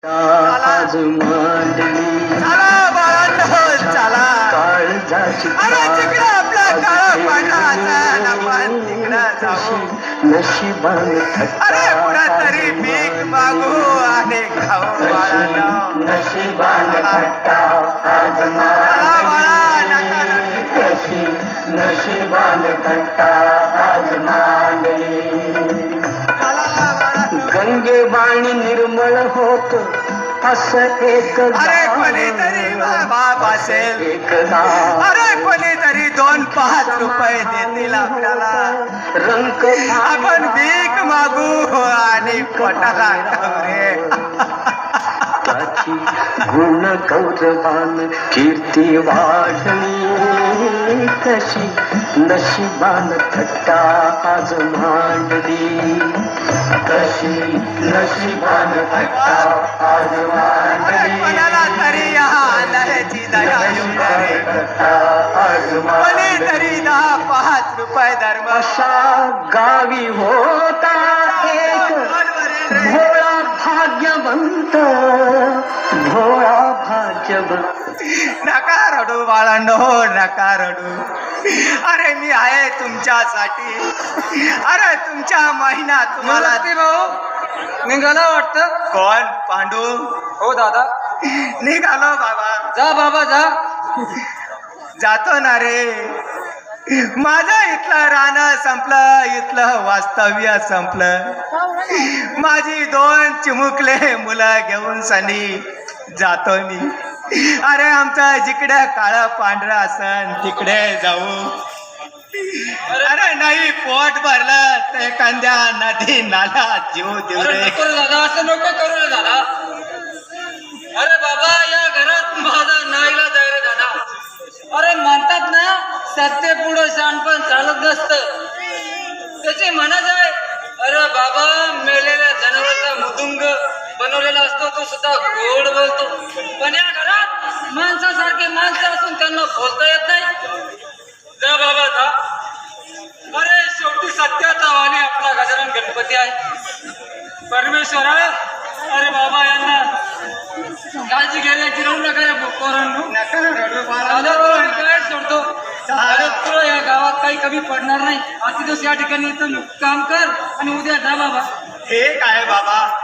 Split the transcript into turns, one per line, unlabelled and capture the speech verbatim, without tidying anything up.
आज मांडली
चला बाळांनो चला
काळजाची
अरे तिकडं आपला काळा पांढरा असेल आपण तिकडं जाऊ
नशिबान
अरे कुणातरी भीक मागू आणि खाऊ बाळांनो
नशिबान थट्टा आज
चला बाळा नका
मांडली नशिबान थट्टा आज मांडली
चला बाळांनो
गंगे वाणी निर्मळ होत असं एक
अरे कोणीतरी बाप असेल
एकदा
अरे कोणीतरी दोन पाच रुपये देतील आपल्याला
रंग
आपण भीक मागू आणि पोटाला खाऊ रे
त्याची गुण गौरवान कीर्ती वाढली कशी नशिबान थट्टा आज मांडली कशी नशिबान थट्टा आज
अरे
मांडली
कोणाला तरी या आंधळ्याची दया येऊ दे रे
आज मांडली
कोणीतरी दहा पाच रुपये धर्म
अशा गावी होता एक भोळा भाग्यवंत भोळा भाग्यवंत
नका रडू बाळांनो नका रडू अरे मी आहे तुमच्यासाठी अरे तुमच्या महिना तुम्हाला
भाऊ निघाला वाटतं.
कोण पांडू
हो दादा.
निघालो बाबा
जा बाबा जा.
जातो ना रे माझं इथलं राहणं संपलं इथलं वास्तव्य संपलं माझी दोन चिमुकले मुलं घेऊन सनी जातो मी अरे आमचं जिकडे काळं पांढरं असन तिकडे जाऊ अरे नाही पोट भरलं तर एखाद्या नदी नाला जीव देऊ
अरे
रे
नको रे दादा असं नको करू रे दादा. अरे बाबा या घरात माझा नाईलाज आहे रे दादा. अरे म्हणतात ना सत्य पुढं शहाणपण चालत नसतं त्याची म्हणत आहे. अरे बाबा मेलेल्या जनावरांचा मुदुंग बनवलेला असतो तो सुद्धा गोड बोलतो पण या घरात माणसासारखे माणसं असून त्यांना बोलता येत नाही. जा बाबा जा. अरे शेवटी सत्याचा वाणी आपला गजानन गणपती आहे. परमेश्वरा अरे बाबा यांना काळजी घ्यायची राहू नका रे पोरांनो.
नका रडू बाळा.
दादा तुला मी काय सोडतो दादा तुला या गावात काही कमी पडणार नाही. आजचे दिवस या ठिकाणी इथं काम कर आणि उद्या जा बाबा.
हे काय बाबा